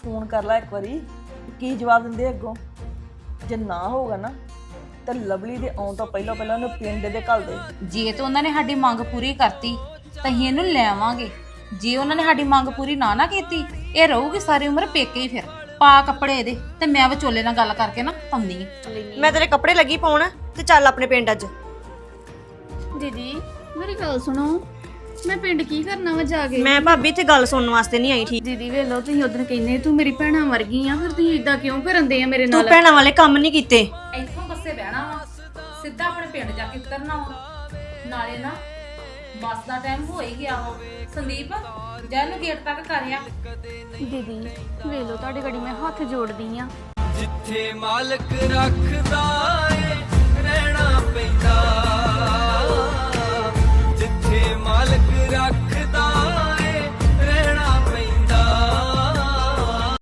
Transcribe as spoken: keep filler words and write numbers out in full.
Phone ਕਰ ਲੈ ਇੱਕ ਵਾਰੀ ਕੀ ਜਵਾਬ ਦਿੰਦੇ ਅੱਗੋਂ। ਜੇ ਨਾ ਹੋਊਗਾ ਨਾ ਤਾਂ ਲਵਲੀ ਦੇ ਆਉਣ ਤੋਂ ਪਹਿਲਾਂ ਪਹਿਲਾਂ ਉਹਨੂੰ ਪਿੰਡ ਦੇ ਘੱਲ ਦੇ। ਜੇ ਤੇ ਉਹਨਾਂ ਨੇ ਸਾਡੀ ਮੰਗ ਪੂਰੀ ਕਰਤੀ ਤਾਂ ਅਸੀਂ ਇਹਨੂੰ ਲੈ ਆਵਾਂਗੇ। ਜੇ ਉਹਨਾਂ ਨੇ ਸਾਡੀ ਮੰਗ ਪੂਰੀ ਨਾ ਨਾ ਕੀਤੀ ਇਹ ਰਹੂਗੀ ਸਾਰੀ ਉਮਰ ਪੇਕੇ ਹੀ। ਫਿਰ ਪਾ ਕੱਪੜੇ ਇਹਦੇ ਤੇ ਮੈਂ ਵਿਚੋਲੇ ਨਾਲ ਗੱਲ ਕਰਕੇ ਨਾ ਪਾਉਂਦੀ ਆ। ਮੈਂ ਤੇਰੇ ਕੱਪੜੇ ਲੱਗੀ ਪਾਉਣ ਤੇ ਚੱਲ ਆਪਣੇ ਪਿੰਡ ਅੱਜ। ਦੀਦੀ ਮੇਰੀ ਗੱਲ ਸੁਣੋ, ਮੈਂ ਪਿੰਡ ਕੀ ਕਰਨਾ ਵਾ ਜਾ ਕੇ? ਮੈਂ ਭਾਬੀ ਇੱਥੇ ਗੱਲ ਸੁਣਨ ਵਾਸਤੇ ਨਹੀਂ ਆਈ। ਠੀਕ ਦੀਦੀ ਵੇਖ ਲਓ, ਤੁਸੀਂ ਉਦੋਂ ਕਹਿੰਦੇ ਤੂੰ ਮੇਰੀ ਭੈਣਾਂ ਵਰਗੀ ਆ, ਫਿਰ ਤੁਸੀਂ ਇਦਾਂ ਕਿਉਂ ਕਰਨ ਦੇ ਆ ਮੇਰੇ ਤੂੰ ਨਾਲ? ਭੈਣਾਂ ਵਾਲੇ ਕੰਮ ਨਹੀਂ ਕੀਤੇ। ਇੱਥੋਂ ਬੱਸੇ ਬਹਿਣਾ ਵਾ, ਸਿੱਧਾ ਆਪਣੇ ਪਿੰਡ ਜਾ ਕੇ ਉਤਰਨਾ ਵਾ। ਨਾਲੇ ਨਾ ਬੱਸ ਦਾ ਟਾਈਮ ਹੋ ਹੀ ਗਿਆ ਵਾ। ਸੰਦੀਪ ਜਾ ਇਹਨੂੰ ਗੇਟ ਤੱਕ ਕਰਿਆ। ਦੀਦੀ ਵੇਖ ਲਓ, ਤੁਹਾਡੇ ਘੜੀ ਮੈਂ ਹੱਥ ਜੋੜਦੀ ਆ। ਜਿੱਥੇ ਮਾਲਕ ਰੱਖਦਾ ਏ ਰਹਿਣਾ ਪੈਂਦਾ, ਜਿੱਥੇ ਮਾਲਕ ਰੱਖ